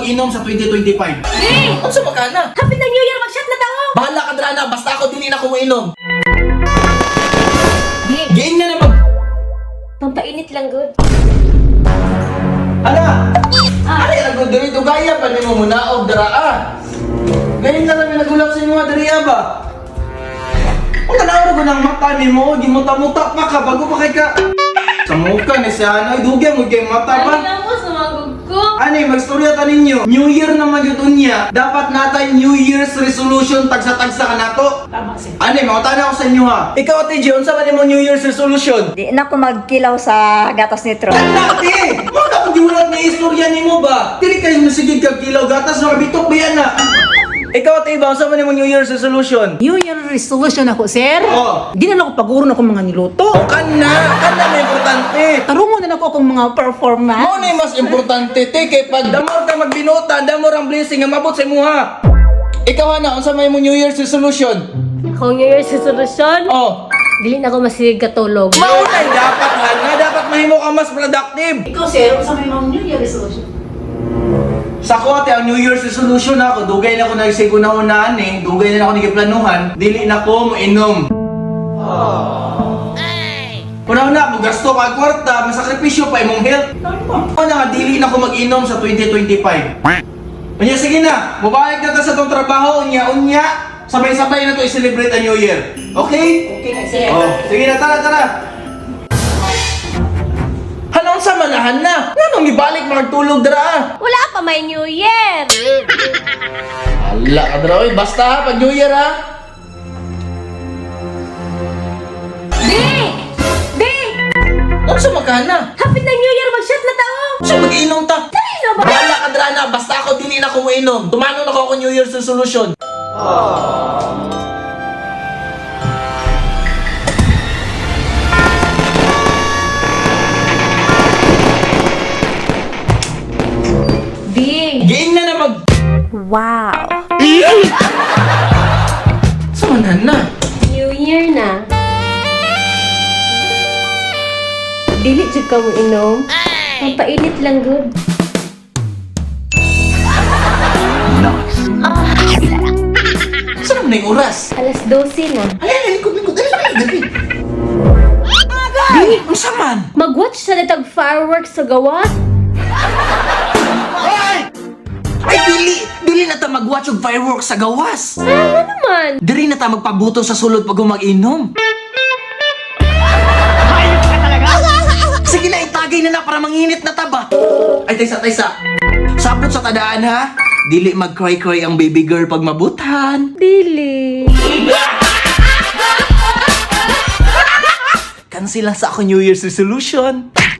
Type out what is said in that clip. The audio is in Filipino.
mag-inom sa 2025. Di! Ano sa makana? Happy na New Year! Mag-shot na tao! Bahala ka drana, basta ako din na kuminom. Di! Giing na mag... Pampainit lang, good. Ala! Ano yung nagod dito? Gaya pa ni mo muna o dara Ganyan na lang yung nagulak sa inyo mga dariya ba? Kung tanawag ko ng mata ni mo, gimuta-muta pa ka bago pa kay ka. Sa mukha ni siya, ano, idugyan mo kay mata ba? Ano mo, sumagod ko? Ani, magstorya ta ninyo. New Year naman yun niya. Dapat natay New Year's resolution tagsa-tagsa ka nato. Tama siya. Ani, makutana ako sa inyo ha. Ikaw, Ate G, unsa ba ni mo New Year's resolution? Di na ko magkilaw sa gatas nitro. Ate! Mga kapag giwala na istorya ni mo ba? Dili kayo masigid kag kilaw gatas na kabitok ba yan na? Ikaw, Ate Iba, unsa ba ni mo New Year's resolution? New Year resolution ako, sir. Oh. Di na lang ako paguro na akong mga niluto. O kana na importante. Tarungo na lang ako akong mga performance. Mo na yung mas importante, te, kay pag damor ka magbinuta, damor ang blessing nga mabot sa imuha. Ikaw na, unsa may mo New Year's resolution? Akong New Year's resolution? Oh. Dili na ako masigig katulog. Maunay dapat nga dapat mahimo ka mas productive. Ikaw, sir, sa may mga New Year resolution. Sa ko ate, ang New Year's resolution ako, dugay na ako nagsigo na unaan eh, dugay na ako nagiplanuhan, dili na ko mainom. Una-una, gasto ka kwarta, masakripisyo pa imong health. Ano nga, dili na ko mag-inom sa 2025. Unya, sige na, mabayag na ta sa tong trabaho, unya, sabay-sabay na to i-celebrate ang New Year. Okay? Okay, sir. Oh, sige na, tara. Hanong sa manahan na? Anong ibalik magtulog dara? Wala pa may New Year! Ala ka dara, oy. Basta ha, pag New Year ha. Di! Di! Ano sa makana? Happy na New Year! Mag-shot na tao! Sa mag-inom ta? Dali na ba? Bahala ka dara na, basta ako dili na ko mainom. Tumano na ko New Year's resolution. Di! Giing na mag... Wow! Sa manahan na? New Year na. Dili jud ka mo inom. Pampainit lang, good. Saan na yung oras? Alas 12 na. Alay, likod. Dali. Di, ang saman. Mag-watch sa litag fireworks sa gawas. Ay, dili na ta mag-watch og fireworks sa gawas. Ano naman? Dili na ta magpabuto sa sulod pag mag-inom. Sige na, itagay na para manginit na taba. Ay, taysa. Sapot sa tadaan ha. Dili mag-cry-cry ang baby girl pag mabutan. Dili. Cancel lang sa ako New Year's resolution.